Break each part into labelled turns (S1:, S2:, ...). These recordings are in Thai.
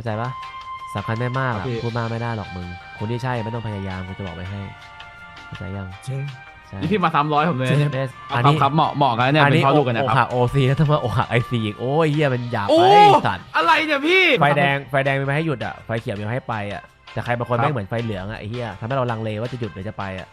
S1: าใจปะสำคัญไม่มาก
S2: ครับ
S1: อ่ะ
S2: พี่
S1: พูดมากไม่ได้หรอกมึงคนที่ใช่ไม่ต้องพยายามกูจะบอกไว้ให้เข้าใจยัง
S3: เจ๊
S1: ใช่
S2: นี่พี่มา300ผมเลย
S3: เจ๊
S1: เบส
S2: เอา
S1: อัน
S2: ครับ
S1: นี้
S2: ครับเหมาะกันเนี่ยเป็นพ่อลูกกันนะ
S1: อก
S2: ค
S1: หั
S2: รับ
S1: กโอซีแล้วต้องมาอกหักไอซีอีกโอ้ยเหี้ยมันหยาบ
S2: โอ้
S1: ไปสัตว์
S2: อะไรเนี่ยพี่
S1: ไฟแดงมีมาให้หยุดอ่ะไฟเขียวมีมาให้ไปอ่ะแต่ใครบางคน
S2: ครับ
S1: ไม่เหมือนไฟเหลืองอ่ะไอ้เหี้ยทำให้เราลังเลว่าจะหยุดหรือจะไปอ่ะ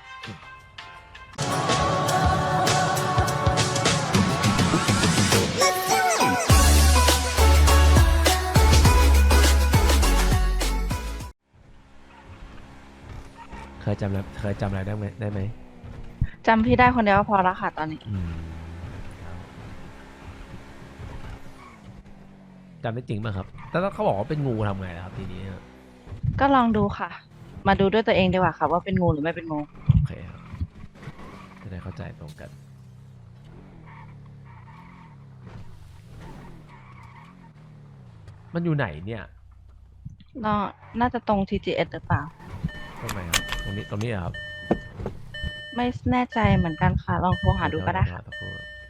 S1: เคยจำอะไรได้ไหม
S4: จำพี่ได้คนเดียวก็พอแล้วค่ะตอนนี้
S1: จำได้จริงป่ะครับแต่ถ้าเขาบอกว่าเป็นงูทำไงล่ะครับทีนี้
S4: ก็ลองดูค่ะ มาดูด้วยตัวเองดีกว่าค่ะว่าเป็นงูหรือไม่เป็นงู
S1: โอเคครับจะได้เข้าใจตรงกันมันอยู่ไหนเนี่ย
S4: น่าจะตรง TGS หรือเปล่า
S1: ตรงไหนครับตรงนี้เหรอครับ
S4: ไม่แน่ใจเหมือนกันค่ะ ลองโทรหาดูก็ได้ค่ะ
S1: สักครู่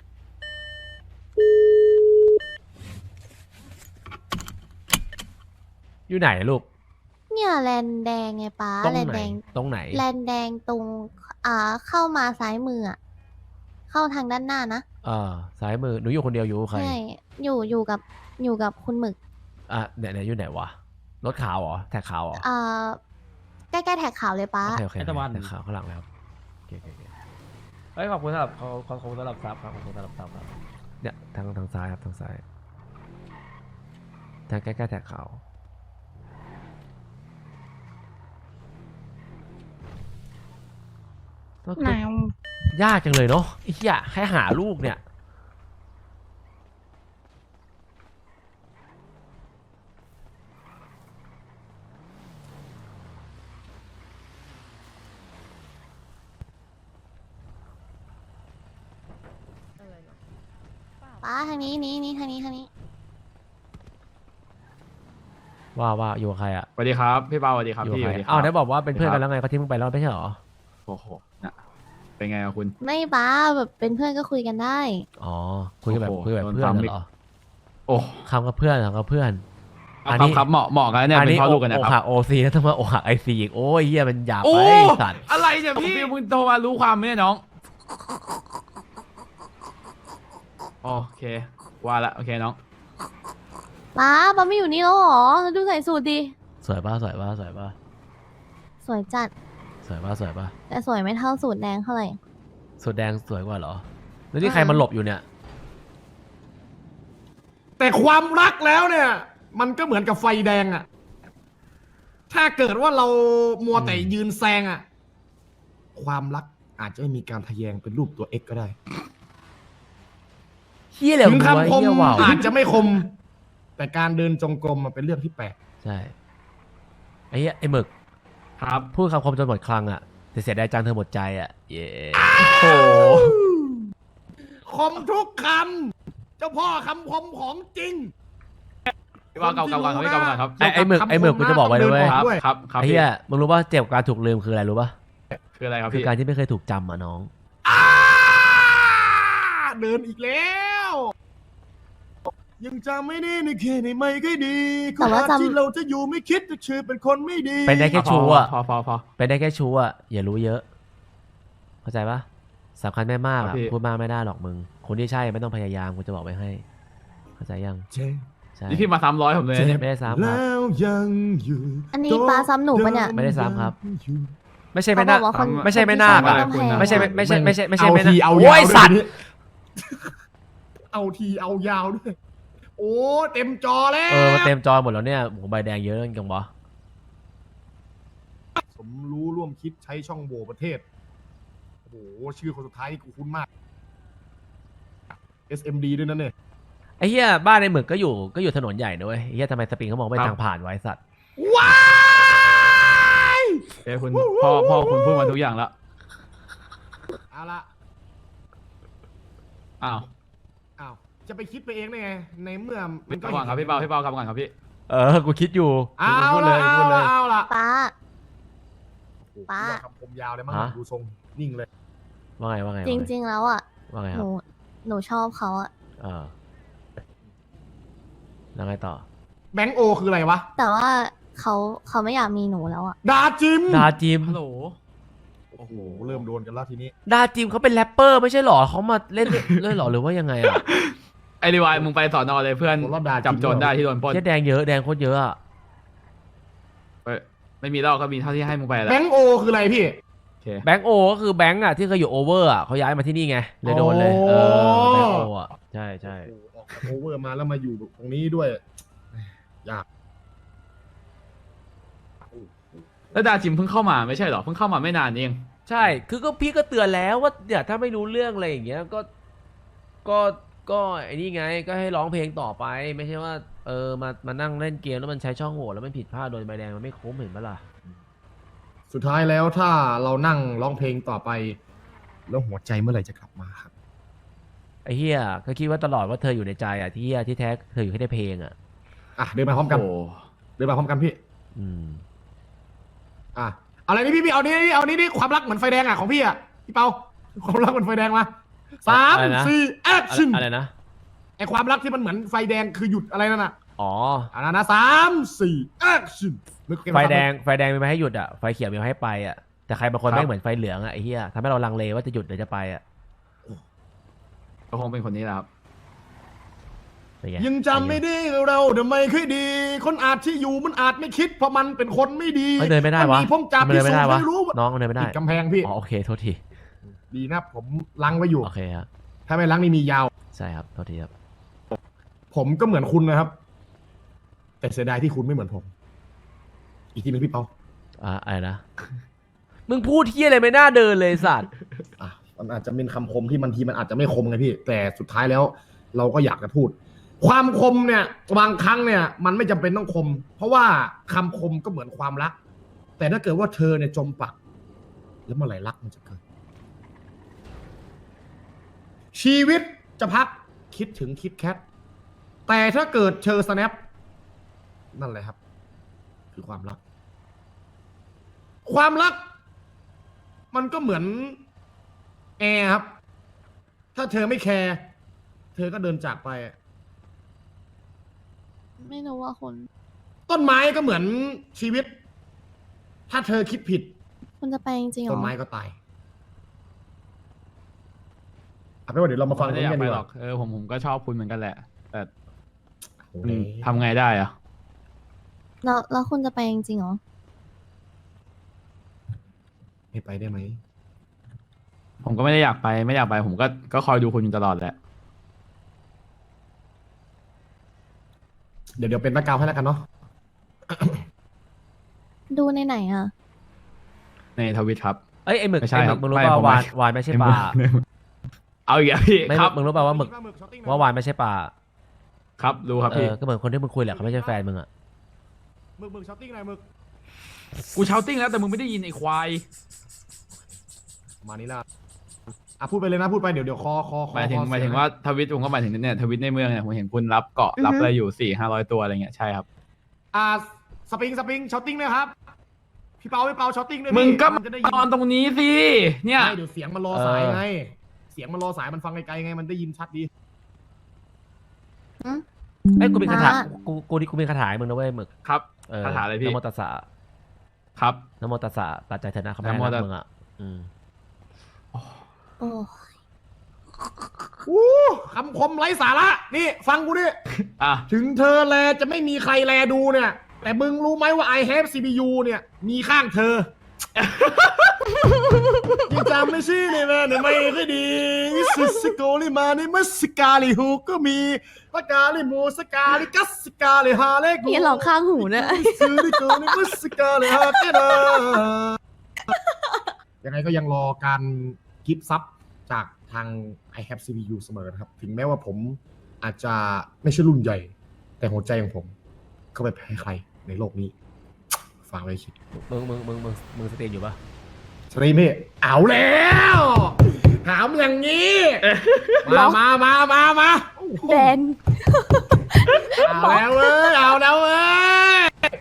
S1: อยู่ไหนลูก
S5: เนี่ยแลนแดงไงป้า
S1: ตรง
S5: แลน
S1: ไหน
S5: แดง
S1: ตรงไหน
S5: แลนแดงตรงเข้ามาซ้ายมืออะเข้าทางด้านหน้านะ
S1: ซ้ายมือหนูอยู่คนเดียวอยู่กับใคร
S5: ใช่อยู่กับคุณหมึก
S1: เนี่ยอยู่ไหนวะรถขาวเหรอแท็กขาวเหรอ
S5: ใกล้ๆแท็กขาวเลยป้า
S1: โอเค
S2: ไอ้ตะวัน
S1: แท็กขาวข้างหลังเลยครับโอเคเฮ้ยขอบคุณสำหรับขอบคุณสำหรับซับครับขอบคุณสำหรับซับครับเนี่ยทางซ้ายครับทางซ้ายทางใกล้ๆแท็กขาวก็คื
S4: ไหน
S1: อยากจังเลยเนาะไอ้เหี้ยแค่หาลูกเนี่ย
S5: ป้าทางนี้ทางนี้
S1: ว่าอยู่กับใครอะ
S2: สวัสดีครับพี่เปาสวัสดีครับ
S1: อยู่กับ
S2: พี่
S1: ใค
S2: ส
S1: ร
S2: วัสดีค
S1: อ้า
S2: รั
S1: วได้บอกว่าเป็นเพื่อนกันแล้วไงเขาทิ้งมึงไปแล้วไม่ใช่เหรอ
S2: โอ้โหนะเป็นไงอะคุณ
S5: ไม่ป้าแบบเป็นเพื่อนก็คุยกันได้
S1: อ๋อคุยกันแบบ
S2: โอ้โห
S1: คุยแบบ
S2: โดน
S1: เพื่อน
S2: ซ้ำอีก
S1: เหรอ
S2: โอ้
S1: คำกับเพื่อนคำกับเพื่อน
S2: เอาครับเหมาะกันเนี่ยเป็นพ่อลูกกันนะ
S1: อก
S2: ค
S1: หั
S2: รับ
S1: กโอซีแล้วต้องมาอกหักไอซีอีกโอ้ยเหี้ยมันหยาบ
S2: โอ้
S1: ไปสัตว์
S2: อะไรเนี่ยพี่มึงโทรมารู้ความไหมเนี่ยน้องโอเคว่าละโอเคน้อง
S5: ป้าไม่อยู่นี่แล้วเหรอดูใส่สูทดิ
S1: สวยป่ะ
S5: สวยจัด
S1: สวยป่ะ
S5: แต่สวยไม่เท่าสูตรแดงเท่าไหร่
S1: สุดแดงสวยกว่าเหรอแล้วนี่ใครมันหลบอยู่เนี่ย
S3: แต่ความรักแล้วเนี่ย มันก็เหมือนกับไฟแดงอะถ้าเกิดว่าเรามัวแต่ยืนแซงอะความรักอาจจะไม่มีการทะแยงเป็นรูปตัว X ก็ได้
S1: เฮี้ยเหลว
S3: ถึง
S1: หัว
S3: คำคม
S1: เฮี้ยว่าว
S3: อาจจะไม่คม แต่การเดินจงกรมมันเป็นเรื่องที่แปลก
S1: ใช่ไอ้เหี้ยไอ้หมึก
S2: ครับ
S1: พูดคำคมจนหมดคลังอ่ะแต่เสียดายจังเธอหมดใจอ่ะเย้
S2: โอ้
S3: คมทุกคำเจ้าพ่อคำคมของจริง
S2: พี่เปาเก่าๆก่อนครับพี่เก่าๆก่อนครับ
S1: ไอ้หมึกกูจะบอกไว้เลยเว้ย
S2: ครับ
S3: ด้วย
S2: ครับครับ
S1: ไอ้
S2: พี่
S1: เหี้ยมึงรู้ป่ะเจ็บกับการถูกลืมคืออะไรรู้ป่ะ
S2: คืออะไรครับ
S1: คือ
S2: พี่
S1: การที่ไม่เคยถูกจำอ่ะน้อง
S3: เดินอีกแล้ว ยังจำไม่ได้ในเขตในไม่ค่อยดี
S5: แต่ว่าจำ
S3: ที่เราจะอยู่ไม่คิดจะชื่อเป็นคนไม่ดี
S1: เป็นได้แค่ชู้อ่ะ
S2: พอ
S1: เป็นได้แค่ชู้อ่ะอย่ารู้เยอะ เข้าใจปะสำคัญไม่มาก
S2: ครั
S1: อ่ะ
S2: บพี่
S1: พูดมากไม่ได้หรอกมึงคนที่ใช่ไม่ต้องพยายามกูจะบอกไว้ให้ เข้าใจยัง
S3: เจ๊
S1: ใช่
S2: นี่พี่มา300ผมเลย
S3: เจ็บ
S1: ไม่ได้ซ้ำครับ
S3: แล้วยังอยู่
S5: อันนี้ป้าซ้ำหนูปะเนี่ย
S1: ไม่ได้ซ้ำครับ
S3: อยู่
S1: ไม่ใช่ไม่
S5: เขาบ
S1: น่า
S5: อกว่าคน
S1: ไม่ใช่ไม่น่า
S5: คนที่
S1: อ่ะ
S5: ซ้ำต้องแพง
S1: ไม่ใช่ไม่ใช่ไม่ใช่ไม่ใช่
S3: เอา
S1: ไม่
S3: ที
S1: น่า
S3: เอา
S1: โอ้
S3: ยาวย
S1: สัตว์
S3: ด้วยเอาทีเอายาวด้วย โอ้เต็มจอแล้ว
S1: มาเต็มจอหมดแล้วเนี่ยโหใบแดงเยอะจังวะ
S3: สมรู้ร่วมคิดใช้ช่องโหว่ประเทศ โอ้โห ชื่อคนสุดท้ายนี่กูคุ้นมาก SMD ด้วยนั่นเนี่ย
S1: ไอ้เหี้ยบ้านในหมึกก็อยู่ถนนใหญ่นะเว้ยไอ้เหี้ยทำไมสปริงเขามองไม่ทางผ่านไว้สัตว์
S3: ว้าย
S2: เอ้ยคุณพ่อคุณพูดมาทุกอย่างแล้ว
S3: เอาละ
S2: อ้าว
S3: อ้าว จะไปคิดไปเองได้ไง ในเมื่อมัน
S2: ก่อนครับพี่เปากลับก่อนครับพี่
S1: กูคิดอยู่
S3: เอา
S1: พูดเล
S3: ละ
S1: ย
S3: เอา
S1: พูดเล
S3: ละ
S1: ย
S3: เอาละ
S5: ป้า
S3: โอ้โห
S5: ป้า
S3: คำคมยาวเลยมั้ง
S1: ฮะ
S3: ดูทรงนิ่งเลย
S1: ว่าไงว่าไง
S5: จริง ๆ แล้วอ่ะ
S1: ว่าไง
S5: ห
S1: ครั
S5: นู
S1: บ
S5: หนูชอบเขาอ่ะ
S1: แล้วไงต่อ
S3: แบงค์โอคืออะไรวะ
S5: แต่ว่าเขาไม่อยากมีหนูแล้วอะ
S3: ดาจิม
S1: ดาจิม
S2: ฮัลโหล
S3: โอ้โห เริ่มโดนกันแล้วทีนี้
S1: ดาจิมเขาเป็นแรปเปอร์ไม่ใช่หรอเขามาเล่นเล่นหรอหรือว่ายังไงอ่ะ
S2: ไอรีวายมึงไปสอนอเลยเพื่อน
S3: ผมรอบด่า
S2: จับโจรได้ที่โดนปล้น
S1: เหี้ยแดงเยอะแดงโคตรเยอะอ่ะ
S2: เอ้ยไม่มีเล่าก็มีเท่าที่ให้มึงไปแหล้ว
S3: แบงค์โอคืออะไรพี่
S2: โอเค
S1: แบงค์โอก็คือแบงค์อ่ะที่เคยอยู่โอเวอร์อ่ะเขาย้ายมาที่นี่ไงเลยโดนเลยเออแบงค์โออ่ะใช่ใช่
S3: โอ้โหออกจากโอเวอร์มาแล้วมาอยู่ตรงนี้ด้วย ยาก
S2: แล้วดาจิมเพิ่งเข้ามาไม่ใช่เหรอเพิ่งเข้ามาไม่นานเอง
S1: ใช่คือก็พี่ก็เตือนแล้วว่าเนี่ยถ้าไม่รู้เรื่องอะไรอย่างเงี้ยก็ไอ้นี่ไงก็ให้ร้องเพลงต่อไปไม่ใช่ว่ามานั่งเล่นเกมแล้วมันใช้ช่องโหว่แล้วมันผิดพลาดโดนใบแดงมันไม่คุ้มเห็นปะล่ะ
S3: สุดท้ายแล้วถ้าเรานั่งร้องเพลงต่อไป แล้วหัวใจเมื่อไหร่จะกลับมาครับ
S1: ไอ้เฮียก็คิดว่าตลอดว่าเธออยู่ในใจอ่ะที่เฮียที่แท้เธออยู่แค่ในเพลงอ่ะ
S3: อ่ะเดินมาพร้อมกัน
S2: โอ้
S3: เดินมาพร้อมกันพี่
S1: อืม
S3: อ่ะอะไรนี่พี่เอานี่ความรักเหมือนไฟแดงอ่ะของพี่อ่ะพี่เปาความรักเหมือนไฟแดงมาสาม
S1: อะไรนะ
S3: สี่แอคชั่น
S1: อะไรนะ
S3: ไอความรักที่มันเหมือนไฟแดงคือหยุดอะไรนั่นน่ะ
S1: อ๋อ
S3: อันนั้นนะสามสี่แอคชั่น
S1: ไฟแดงมีมาให้หยุดอ่ะไฟเขียวมีมาให้ไปอ่ะแต่ใครบางคนไม่งเหมือนไฟเหลืองอ่ะไอ้เฮียทำให้เราลังเลว่าจะหยุดหรือจะไปอ่ะ
S2: ก็คงเป็นคนนี้แหละครับ
S1: เป็นไง
S3: ยังจำไม่ได้เราเดี๋ยวไม่ค่อยดี คนอาจที่อยู่มันอาจไม่คิดเพราะมันเป็นคนไม่ดี
S1: เดินไม่ได้วะ
S3: นมีพงจับ
S1: มันเดินไม่ได้วะ
S3: พิสูจน์ให้รู้ว่า
S1: น้องมันเดินไม่ได้
S3: ติดกำแพงพี่
S1: อ๋อโอเคโทษที
S3: ดีนะผมล้างไว้อยู่
S1: โอเคครับ
S3: ถ้าไม่ล้างนี่มียาว
S1: ใช่ครับโทษทีครับ
S3: ผมก็เหมือนคุณนะครับ แต่เสียดายที่คุณไม่เหมือนผม อีกทีหนึงพี่เปา
S1: อะไรนะ มึงพูดเที่ยอะไรไม่น่าเดินเลยสัตว์
S3: อ่ะมันอาจจะเป็นคำคมที่บางทีมันอาจจะไม่คมไงพี่ แต่สุดท้ายแล้ว เราก็อยากจะพูด ความคมเนี่ย บางครั้งเนี่ย มันไม่จำเป็นต้องคม เพราะว่าคำคมก็เหมือนความรัก แต่ถ้าเกิดว่าเธอเนี่ยจมปัก แล้วเมื่อไหร่รักมันจะเกิด ชีวิตจะพักคิดถึงคิดแคทแต่ถ้าเกิดเธอสแนปนั่นแหละครับ คือความรัก ความรัก มันก็เหมือนแอร์ครับ ถ้าเธอไม่แคร์เธอก็เดินจากไป
S5: ไม่รู้ว่าคุณ
S3: ต้นไม้ก็เหมือนชีวิต ถ้าเธอคิดผิด
S5: คุณจะไปจริงๆเหร
S3: ต้
S5: อน
S3: ไม้ก็ตายเอาเป็นว่าเดี๋ยวเรามาฟัง
S2: ไม่
S3: ตร
S2: ได้
S3: ง
S2: อยา
S3: นี้
S2: ก
S3: กัน
S2: ไป
S3: ดีก
S2: หรอ
S3: ว่าก
S2: ผมก็ชอบคุณเหมือนกันแหละ แต่
S3: โอ้โห
S2: ทำไงได้อะ
S5: แล้วคุณจะไปจริงๆเหรอ
S3: ไม่ไปได้ไหม
S2: ผมก็ไม่ได้อยากไปไม่อยากไป ผมก็คอยดูคุณอยู่ตลอดแหละ
S3: เดี๋ยวเป็นแบ็คกราวด์ให้แล้วกันเนาะ
S5: ดูในไหนอะ
S2: ในทวิตครับ
S1: เอ้ยไอ้หมึก
S2: ไม่ใช่
S1: ไอ้ห
S2: ครั
S1: มึ
S2: บ
S1: กมึงรู้
S2: ไม่
S1: ป่า
S2: ผม
S1: วาน
S2: ไม่
S1: วานไม่ใช่ปลา
S2: เอาอีกแล้วพี่
S1: ไม่
S2: ครับ
S1: มึงรู้ป่าว่าหมึกว่าวานไม่ใช่ปลา
S2: ครับรู้ครับพี่
S1: ก็เหมือนคนที่มึงคุยแหละเขาไม่ใช่แฟนมึงอ่ะ
S3: มึกช้อตติ้งหน่อยมึก
S2: กูเชาติ้งแล้วแต่มึงไม่ได้ยินไอ้ควาย
S3: ประมาณนี้ละอ่ะพูดไปเลยนะพูดไปเดี๋ยวคอ
S2: หมายถึงว่าทวิตผมก็หมายถึงเนี่ยทวิตในเมืองเนี่ยผมเห็นคุณรับเกาะรับอะไรอยู่400-500 ตัวอะไรเงี้ยใช่ครับ
S3: สปริงช้อตติ้งนะครับ พี่เปาช้อตติ้งด้วย
S2: มึงก็
S3: นจะได้ยิ
S2: นอนตรงนี้สิเนี่ย
S3: ไม่เดี๋ยวเสียงมันรอสายไง เสียงมันรอสายมันฟังไกลๆไงมันได้ยินชัดดี
S1: เอ้ยกูมีคาถา
S5: อ่ะ
S1: กูมีคาถาให้มึงนะเว้ยหมึก
S2: ครับคาถาอะไรพี่
S1: นะโมตัสสะ
S2: ครับ
S1: นะโมตัสสะตัดใจเถอะนะเขาไม่
S2: นะโม
S1: รั
S2: ตั
S1: ก
S2: ส
S1: มึงอ่ะอืม
S5: โอ้
S3: คำคมไร้สาระ นี่ ฟังกูดิ
S2: อ่ะ
S3: ถึงเธอแลจะไม่มีใครแลดูเนี่ย แต่มึงรู้ไหมว่า I have CPU เนี่ย มีข้างเธอ ยังจำไม่ชื่อเลยแม่เนี่ยไม่ค่อยดีสิสโกลิมาในมัสกาลิฮูก็มีปากาลิโมสกาลิกัสกาลิฮาเลกู
S5: นี่หลอกข้างหูเนี่ย
S3: ซื้อดิโกในมัสกาลิฮาเกนายังไงก็ยังรอการกิฟต์ซับจากทาง I have CPU เสมอนะครับ ถึงแม้ว่าผมอาจจะไม่ใช่รุ่นใหญ่ แต่หัวใจของผม ก็ไม่แพ้ใครในโลกนี้ฝากไว้คิด
S1: มึงสตรีมอยู่ปะ
S3: สตรีมพี่เอาแล้วถามอย่างนี้ มา
S5: แดน
S3: เอาแล้วเว้ยเอาแล้วเว้ย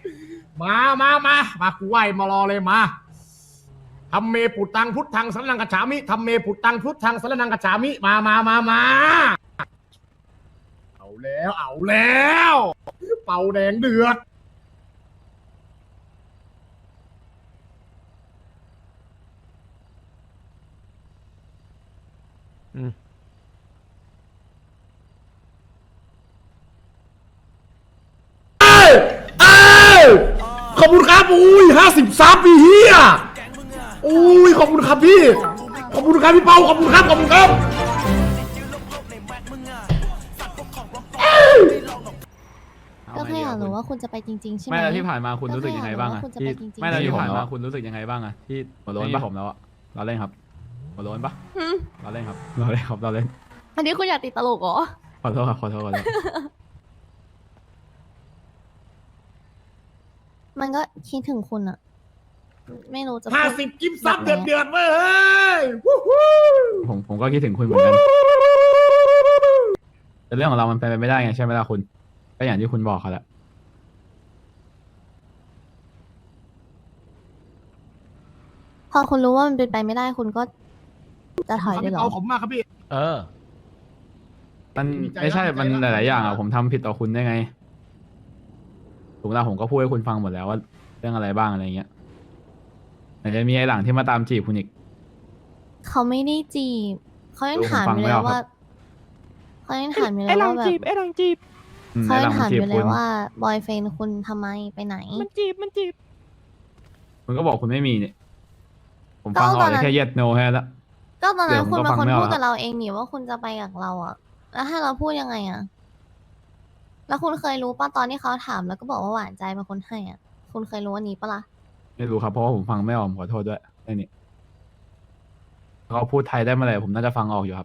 S3: มากูไหวมารอเลยมาทำเมปุตังพุทธังสรนังกัจฉามิทำเมปุตังพุทธังสรนังกัจฉามิมาเอาแล้วเป่าแดงเดือด เอ้ยขอบคุณครับอุ้ย50ซับพี่เฮียอุ้ยขอบคุณครับพี่ ขอบคุณครับพี่เปาขอบคุณครับขอบคุณครับ
S5: ก็แค่อยากรู้ว่าคุณจะไปจริงๆใช่ไหม
S2: ไม่แล้วที่ผ่านมาคุณรู้สึกยังไงบ้างอะ
S5: ก็แค่
S2: ที่
S5: อยากรู้ว่าคุณจะไปจริงๆ
S2: ไม่แล้วที่ผ่านมาคุณรู้สึกยังไงบ้างอะที่
S3: หัวโล้น
S2: ที่
S3: ปะ
S2: ผมแล้วอะเราเล่นครับหัวโล้นปะ
S5: หืม
S2: เราเล่นครับเราเล่นครับเราเล่น
S5: อันนี้คุณอยากติดตลกเหรอ
S2: ขอโทษครับขอโทษขอโทษ
S5: มันก็คิดถึงคุณอะไม่รู้จะพูด
S3: 50กิฟต์ซับเดือดเว้ยเฮ้ยวู้ฮู้
S2: ผมก็คิดถึงคุณเหมือนกันแต่เรื่องของเรามันเป็นไปไม่ได้ไงใช่ไหมล่ะคุณก็อย่างที่คุณบอกเขาแหละ
S5: พอคุณรู้ว่ามันเป็นไปไม่ได้คุณก็จะถอยได้
S3: พี่
S5: เหร
S3: เปา
S5: อ
S3: ขอบคุณมากครับพี่
S1: เออ
S2: มัน
S3: ดีใจ
S2: ไม่ใช่
S3: แล้ว
S2: มัน
S3: ดีใจ
S2: ห
S3: แล้ว
S2: ลายๆอย่างอะผมทำผิดต่อคุณได้ไงถูกแล้วผมก็พูดให้คุณฟังหมดแล้วว่าเรื่องอะไรบ้างอะไรเงี้ยแต่จะมีไอ้หลังที่มาตามจีบคุณอีก
S5: เขาไม่ได้จีบเขายัง
S2: ดูผม
S5: ถาม
S2: ฟัง
S5: อยู่
S2: ไม่
S5: เลย
S2: ออกครับ
S5: ว่าเขายังถามอยู่เลยว่าแบบ
S2: อืม
S5: เขา
S2: ไอ้ห
S5: ยั
S2: ลั
S5: ง
S2: ง
S5: ถาม
S2: จี
S5: อบ ยู่เล
S2: คุ
S5: ย
S2: ณ
S5: ว่าบอยเฟนคุณทำไมไปไหน
S2: คุณก็บอกคุณไม่มีเนี่ยผม
S5: ก็
S2: ฟังอ
S5: ต
S2: อ
S5: อก นนั้น
S2: แค่ yes no แค่นั้นละ
S5: ก็ตอนนั้น
S2: เดี๋ยวผม
S5: คุณ
S2: ก็
S5: เป็น
S2: ฟัง
S5: คน
S2: ไม่ออก
S5: พูด
S2: ครั
S5: กับบ เราเองนี่ว่าคุณจะไปกับเราอะแล้วให้เราพูดยังไงอะแล้วคุณเคยรู้ป่ะตอนที่เขาถามแล้วก็บอกว่าหวานใจเป็นคนให้อะคุณเคยรู้อันนี้ปะล่ะ
S2: ไม่รู้ครับเพราะว่าผมฟังไม่ออกผมขอโทษด้วยไอ้นี่เขาพูดไทยได้เมื่อไหร่ผมน่าจะฟังออกอยู่ครับ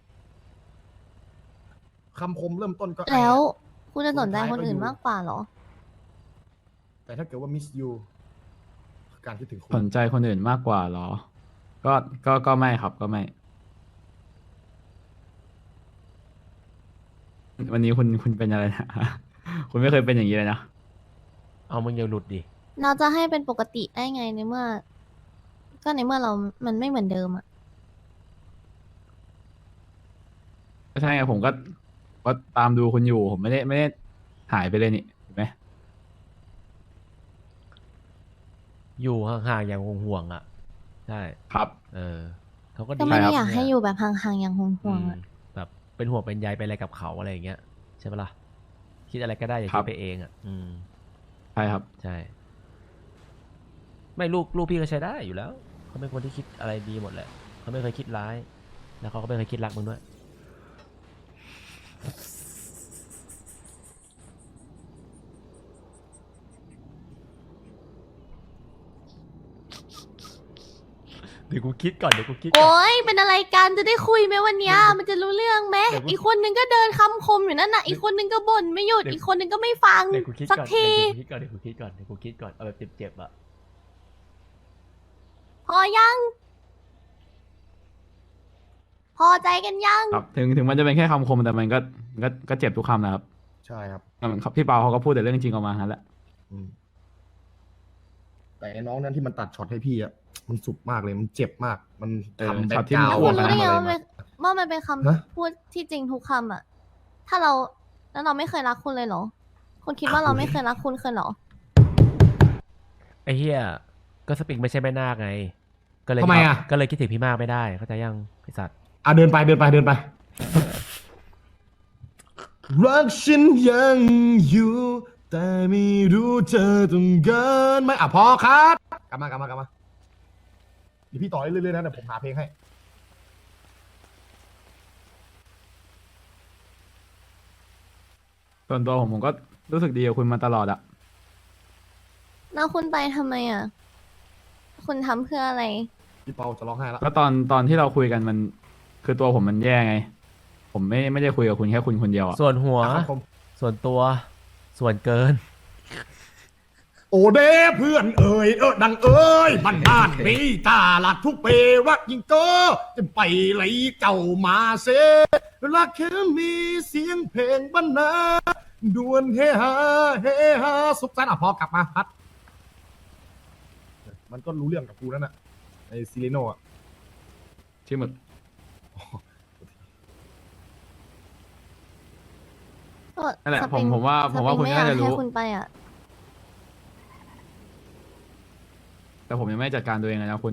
S3: คำคมเริ่มต้นก็
S5: แล้วคุณจะสนใจ
S3: สุดท้าย
S5: คนอื่น
S3: ก็อยู่
S5: มากกว่าเหรอ
S3: แต่ถ้าเกิดว่ามิสยูการคิดถึงคุ
S2: ส
S3: ณ
S2: นใจคนอื่นมากกว่าเหรอ ก็ไม่ครับก็ไม่ วันนี้คุณเป็นอะไรนะ คุณไม่เคยเป็นอย่างนี้เลยนะ
S1: เอามึงอย่าหลุดดิ
S5: เราจะให้เป็นปกติได้ไงในเมื่อ ก็ในเมื่อเรา มันไม่เหมือนเดิมอะ
S2: ก็ใช่ไงผมก็ตามดูคุณอยู่ ผมไม่ได้หายไปเลยนี่เห็นไหม
S1: อยู่ห่างๆอย่างห่วงๆอ่ะ ใช่
S2: ครับ
S1: เออเขาก็
S5: ก็
S1: ดี
S5: ไม่ได้
S2: ครับ
S5: อยากให้อยู่แบบห่างๆอย่างห่ว
S1: อื
S5: ง
S1: ม
S5: ๆอะ
S1: แบบเป็นห่วงเป็นใยเป็นอะไรกับเขาอะไรอย่างเงี้ยใช่ปะล่ะคิดอะไรก็ได้อย่า
S2: ครั
S1: คิ
S2: บ
S1: ดไปเองอ่ะ อืม
S2: ใช่ครับ
S1: ใช่ ไม่ลูกพี่ก็ใช้ได้อยู่แล้วเขาเป็นคนที่คิดอะไรดีหมดแหละเขาไม่เคยคิดร้าย แล้วเขาก็ไม่เคยคิดรักมึงด้วย เดี๋ยวกูคิดก่อนเดี๋ยวกูคิดก่อน
S5: โอ๊ย เป็นอะไรกันจะได้คุยไหมวันเนี้ยมันจะรู้เรื่องไหม
S1: เดี๋ยวกู
S5: อีกคนนึงก็เดินคำคมอยู่นั่นน่ะ อีกคนนึงก็บ่นไม่หยุด
S1: เดี๋ยว
S5: อีกคนนึงก็ไม่ฟัง
S1: เดี๋ยวกูคิด
S5: สัก
S1: ก่อน
S5: ที
S1: เดี๋ยวกูคิดก่อนเดี๋ยวกูคิดก่อนเอาแบบเจ็บๆอ่ะ
S5: พอยัง พอใจกันยัง
S2: ครับ ถึงมันจะเป็นแค่คำคมแต่มันก็เจ็บทุกคำนะครับ
S3: ใช่ครับ
S2: เหมือนพี่เปาเขาก็พูดแต่เรื่องจริงออกมานั่นแหละ
S3: อืมแต่ไอ้น้องนั้นที่มันตัดช็อตให้พี่อะมันสุดมากเลยมันเจ็บมาก มันทำแบ็
S2: ช็อต
S3: ค
S2: ที่
S3: ก
S2: มัน
S3: ราว
S5: แล้ว
S3: ด์
S5: คุณรู้ได้ไง
S3: อะไร
S5: ว่า
S3: มา
S5: มันเป็นคำ
S3: ฮะ
S5: พูดที่จริงทุกคำอะถ้าเราแล้วเราไม่เคยรักคุณเลยเหรอ คุณคิดว่าเราไม่เคยรักคุณเคยเหรอ
S1: ไอ้เหี้ยก็สปริงไม่ใช่แม่นาคไง ก็เลย
S3: ทำไมอะ
S1: ก็เลยคิดถึงพี่มากไม่ได้เข้าใจยังไอ้สัตว์
S3: อ่ะเดินไปรักฉันยังอยู่ แต่ไม่รู้เธอต้องเกินไหมอ่ะพอครับกลับมาเดี๋ยวพี่ต่อเรื่อยๆนะเดี๋ยวผมหาเพลงให้
S2: ส่วนตัวผมก็รู้สึกดีกับคุณมาตลอดอะ
S5: แล้วคุณไปทำไมอะคุณทำเพื่ออะไร
S3: พี่เปาจะร้องไห้แล้ว
S2: ก็ตอนที่เราคุยกันมันคือตัวผมมันแย่ไง ผมไม่ได้คุยกับคุณแค่คุณคนเดียวอะ
S1: ส่วนหัว
S3: อ่ะครับผม
S1: ส่วนตัวส่วนเกิน
S3: โอเด้เพื่อนเอ่ยดังเอ่ยบ้านมีตาหลัดทุกเปรักยิ่งเก็จะไปไหลเจ้ามาเซรักแค่มีเสียงเพลงบรรณาดวนเฮฮาสุขสันต์อ่ะพอกลับมาพัด มันก็รู้เรื่องกับกูนั่นน่ะไอซิลิโนอ่ะ
S2: ชื่อหมึก
S5: ก็
S2: นั่นแหละ
S5: สปริง
S2: ผมว่า
S5: สปริง
S2: คุณ
S5: ไม่
S2: น่า
S5: อยาก
S2: จะรู้
S5: ให้คุณไปอ่ะ
S2: แต่ผมยังไม่จัดการตัวเองเลยนะคุณ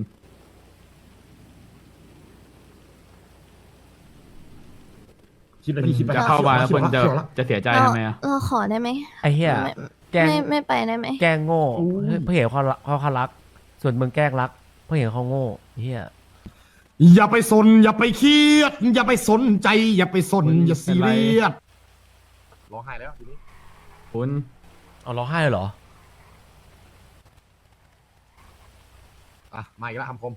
S3: คิดไปพี่คิดไป
S2: จะเข้ามาแล้วคุณจะ
S3: เขียวละ
S2: จะเสียใจ
S5: เรา
S2: ทำไมอ่ะ
S5: เราขอได้ไหม
S1: ไอ้เหี้ย
S5: ไม่
S1: แกล้ง
S5: ไม่ไปได้ไหม
S1: แกล้งโง่
S3: อู้
S1: เพื่อเห็นเขารัก ส่วนมึงแกล้งรัก เพื่อเห็นเขาโง่เฮีย
S3: อย่าไปสน อย่าไปเครียด อย่าไปสนใจ อย่าไปสน
S2: คุณ
S3: อย่าซี
S2: เป็นไร
S3: เรียสร้องไห้แล้วทีนี้
S2: คุณ
S1: เอาร้องไห้เลยเหรอ
S3: อ่ะมาอีกแล้วคำคม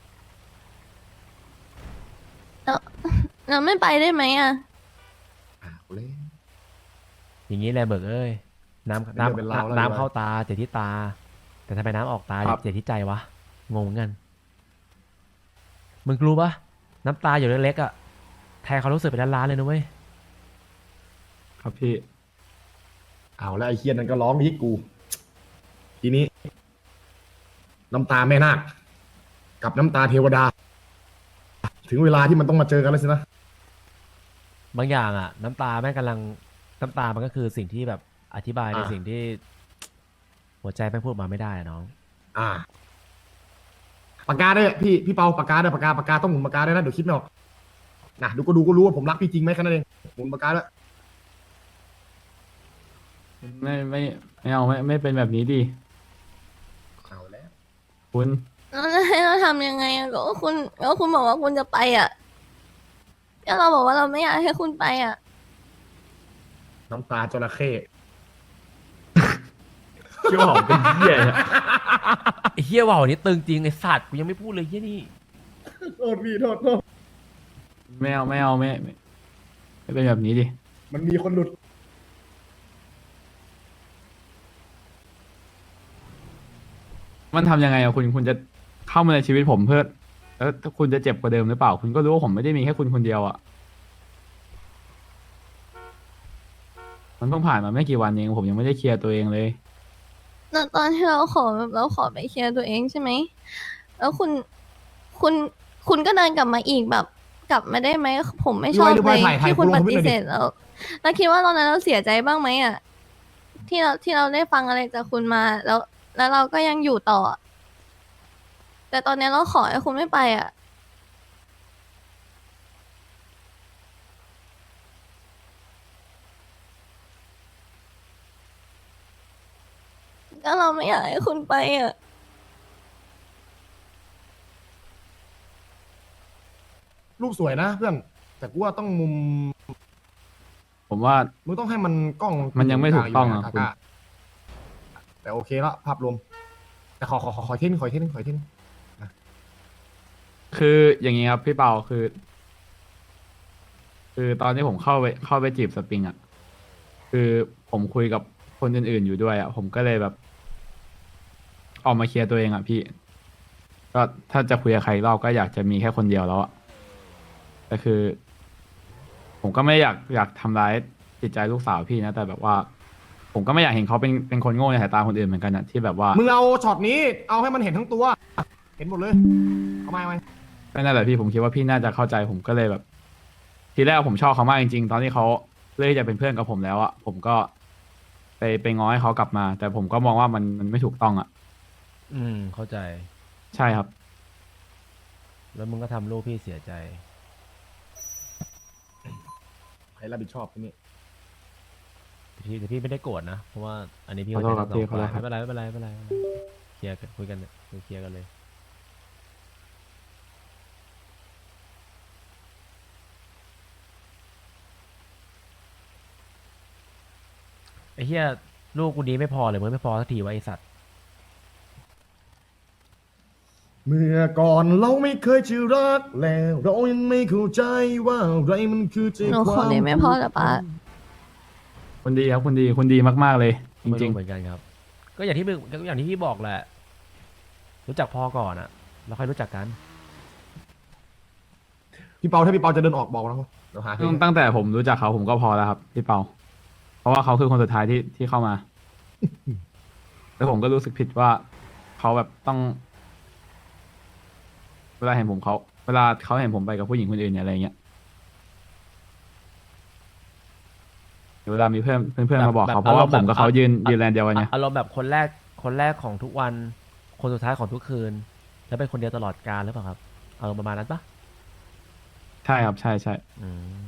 S5: เราไม่ไปได้ไหมอ่ะ
S3: กูเล่น
S1: อย่างนี้แหละเบิกเอ้ย น้ำ
S3: เป็นเรื่องเป็นราวแล้ว
S1: น้ำเข้าตาเจ็บที่ตา แต่ทำไมน้ำออกตาเจ็บที่ใจวะ งงเหมือนกัน มึงรู้ปะน้ำตาอยู่เล็กๆอ่ะ แทนเขารู้สึกเป็นล้านๆเลยนะเว้ย
S2: ครับพี่
S3: เอาแล้วไอ้เคียนนั้นก็ร้องที่กู ทีนี้ น้ำตาแม่นาคกับน้ำตาเทวดา ถึงเวลาที่มันต้องมาเจอกันแล้วสินะ
S1: บางอย่างอ่ะ น้ำตาแม่งกำลัง น้ำตามันก็คือสิ่งที่แบบอธิบายใน
S3: อ่า
S1: สิ่งที่ หัวใจแม่งพูดมาไม่ได้อะน้อง
S3: อ่าปากกาด้วยพี่เปาปากกาด้วยปากกาต้องหมุนปากกาด้วยนะเดี๋ยวคิดไม่ออกนะดูก็รู้ว่าผมรักพี่จริงไหมแค่นั้นเองหมุนปากกาด้วย
S2: ไม่เอาไม่เป็นแบบนี้ดิ
S3: เอาแล้ว
S2: คุณ
S5: แล้วจะให้เราทำยังไงอะก็คุณบอกว่าคุณจะไปอ่ะแล้วเราบอกว่าเราไม่อยากให้คุณไปอ่ะ
S3: น้ำตาจระเข้
S2: คิดว่าผมเป็นเหี้ยเนี่ย
S1: ไอ้เฮียว่าวนี่ตึงจริงไอ้สัตว์กูยังไม่พูดเลยเฮียนี่
S3: โทษพี่โทษ
S2: ไม่เป็นแบบนี้ดิ
S3: มันมีคนหลุด
S2: มันทำยังไงอะคุณจะเข้ามาในชีวิตผมเพื่อแล้วคุณจะเจ็บกว่าเดิมหรือเปล่า คุณก็รู้ว่าผมไม่ได้มีแค่คุณคนเดียวอะมันเพิ่งผ่านมาไม่กี่วันเองผมยังไม่ได้เคลียร์ตัวเองเลย
S5: แล้วตอนที่เราขอแบบเราขอไปเคลียร์ตัวเองใช่ไหม แล้วคุณก็เดินกลับมาอีกแบบ กลับมาได้ไหม ผมไม่ชอบ
S3: หรือ
S5: เล
S3: ว่าย ถ่าย
S5: ที่คุณ
S3: โปร
S5: ป
S3: โมท
S5: ฏิ
S3: ไม่ได้ดิ
S5: เสธแล้วคิดว่าตอนนั้นเราเสียใจบ้างไหมอ่ะ ที่เราได้ฟังอะไรจากคุณมา แล้วเราก็ยังอยู่ต่อ แต่ตอนนี้เราขอให้คุณไม่ไปอ่ะ ก็เราไม่อยากให้คุณไปอ่ะ
S3: รูปสวยนะเพื่อน แต่กูว่าต้องมุม
S2: ผมว่า
S3: มึงต้องให้มันกล้อง
S2: มันยังไม่ถูกต้องอะ
S3: ยู่
S2: คุณ
S3: นะแต่โอเคละภาพรวม แต่ขอเท่นขอเท่น
S2: คืออย่างนี้ครับพี่เปาคือตอนที่ผมเข้าไปจีบสปริงอ่ะคือผมคุยกับคนอื่นๆอยู่ด้วยอ่ะผมก็เลยแบบ ออกมาเคลียร์ตัวเองอ่ะพี่ ก็ถ้าจะคุยกับใครอีกรอบก็อยากจะมีแค่คนเดียวแล้วอ่ะแต่คือ ผมก็ไม่อยากทำร้ายจิตใจลูกสาวพี่นะแต่แบบว่า ผมก็ไม่อยากเห็นเขาเป็นคนโง่ในสายตาคนอื่นเหมือนกันอะที่แบบว่า
S3: มึงเอาช็อตนี้เอาให้มันเห็นทั้งตัว เห็นหมดเลยเอาไหม
S2: ก็นั่นแหละพี่ผมคิดว่าพี่น่าจะเข้าใจผมก็เลยแบบ ทีแรกผมชอบเขามากจริงๆ ตอนที่เขาเลือกที่จะเป็นเพื่อนกับผมแล้วอะผมก็ไปง้อให้เขากลับมา แต่ผมก็มองว่ามันไม่ถูกต้องอะ
S1: เข้าใจ
S2: ใช่ครับ
S1: แล้วมึงก็ทำลูกพี่เสียใจ
S3: ใครรับผิดชอบทีนี้
S1: แต่พี่ไม่ได้โกรธนะ เพราะว่าอันนี้พี่
S2: ขอโทษครับ
S1: เข้าใจทั้งสอง
S2: พี่ขอโทษ
S1: ฝ่าย
S2: ครับ
S1: ไม่เป็นไรเคลียร์กันคุยกันเนี่ยเคลียร์กันเลย ไอ้เหี้ยลูกกูดีไม่พอเลยมึงไม่พอสักทีวะไอสัตว์
S3: เมื่อก่อนเราไม่เคยจะรักแล้วเรายังไม่เข้าใจว่าอะไรมันคือใจ
S5: หนู
S3: ค
S5: ขอ
S3: วาม
S5: ได้ไหมพ่อแต่ป้า
S2: คนดีครับคนดีมากๆเลย จ
S1: ไม่
S2: ริง
S1: เหมือนกันครับ ก็อย่างที่มึงก็อย่างที่พี่บอกแหละ รู้จักพ่อก่อนอะแล้วค่อยรู้จักกัน
S3: พี่เปาถ้าพี่เปาจะเดินออกบอกนะเดี๋ยวหา
S2: ๆ
S3: ให้
S2: ตั้งแต่ผมรู้จักเขาผมก็พอแล้วครับพี่เปา เพราะว่าเขาคือคนสุดท้ายที่เข้ามา แล้วผมก็รู้สึกผิดว่าเขาแบบต้อง เวลาเขาเห็นผมไปกับผู้หญิงคนอื่นเนี่ยอะไรเงี้ยเดี๋ยวเวลามีเพื่อนมาบอกเขาเพราะว่าผมกับเขายืนแลนเดียวกันไง
S1: อารมณ์แบบคนแรกของทุกวัน คนสุดท้ายของทุกคืน แล้วเป็นคนเดียวตลอดกาลหรือเปล่าครับอารมณ์ประมาณนั้นปะ
S2: ใช่ครับใช่ใช่
S1: อืม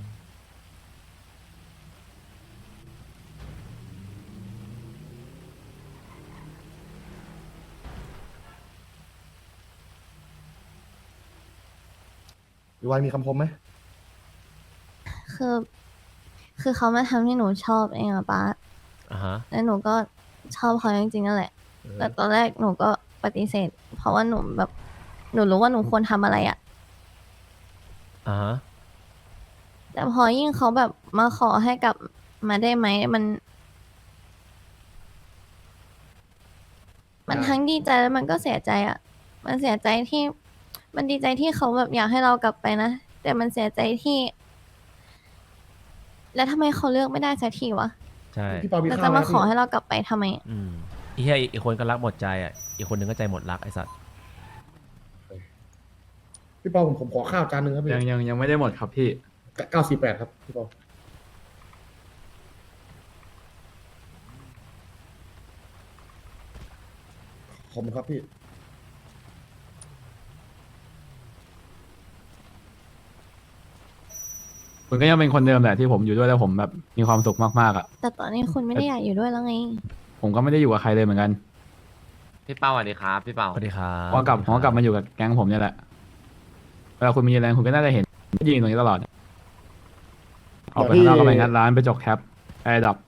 S3: พี่วายมีคำคมไหม
S5: คือ คือเขามาทำให้หนูชอบเองอะป้า
S1: อ่าฮะ
S5: แล้วหนูก็ชอบเขาจริงๆนั่นแหละ แต่ตอนแรกหนูก็ปฏิเสธ เพราะว่าหนูแบบ หนูรู้ว่าหนูควรทำอะไรอะ
S1: อ่าฮะ
S5: แต่พอยิ่งเขาแบบมาขอให้กลับมาได้ไหมมันทั้งดีใจแล้วมันก็เสียใจอะมันเสียใจที่ มันดีใจที่เขาแบบอยากให้เรากลับไปนะ แต่มันเสียใจที่ แล้วทำไมเขาเลือกไม่ได้สักทีวะ
S1: ใช่
S3: พี่เปามี
S5: แล้ว
S3: ข้า
S5: จะ
S3: วไหม
S5: มาขอ
S3: พี่
S5: ให้เรากลับไปทำไม
S1: อืมอีเหี้ยอีกคนก็รักหมดใจอ่ะ อีกคนนึงก็ใจหมดรักไอ้สัตว์
S3: พี่เปาผมขอข้าวจานหนึ่งครับพี่
S2: ยังไม่ได้หมดครับพี่
S3: 948ครับพี่เปาขอบคุณครับพี่
S2: คุณก็ยังเป็นคนเดิมแหละที่ผมอยู่ด้วยแล้วผมแบบมีความสุขมากๆอ่ะ
S5: แต่ตอนนี้คุณไม่ได้อยากอยู่ด้วยแล้วไง
S2: ผมก็ไม่ได้อยู่กับใครเลยเหมือนกัน
S6: พี่เป้าสวัสดีครับพี่เป้า
S1: สวัสดีครับ
S2: ผมก็กลับมาอยู่กับแก๊งผมเนี่ยแหละเวลาคุณมีแรงคุณก็น่าจะเห็นยืนตรงนี้ตลอดออกไปข้างนอกก็ไปงัดร้านไปจกแคปไอ้ดับ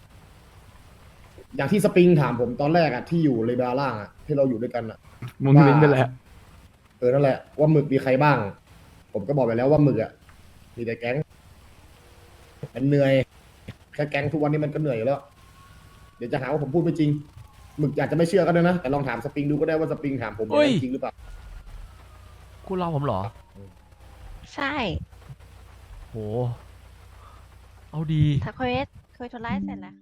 S3: อย่างที่สปริงถามผมตอนแรกอะที่อยู่เลเบลล่างอะที่เราอยู่ด้วยกันอะ
S2: มุนวินไปแหละ
S3: นั่นแหละว่าหมึกมีใครบ้าง ผมก็บอกไปแล้วว่าหมึกอะมีแต่แก๊งมันเหนื่อยแค่แก๊งทุกวันนี้มันก็เหนื่อยอยู่แล้ว เดี๋ยวจะหาว่าผมพูดไม่จริงหมึกอาจจะไม่เชื่อก็ได้นะแต่ลองถามสปริงดูก็ได้ว่าสปริงถามผมเป็นจริงหรือเปล่า
S1: คุณรอผมเหรอ
S4: ใช่
S1: โห เอาดี
S4: ถ้าคุยธุระเสร็จแล้ว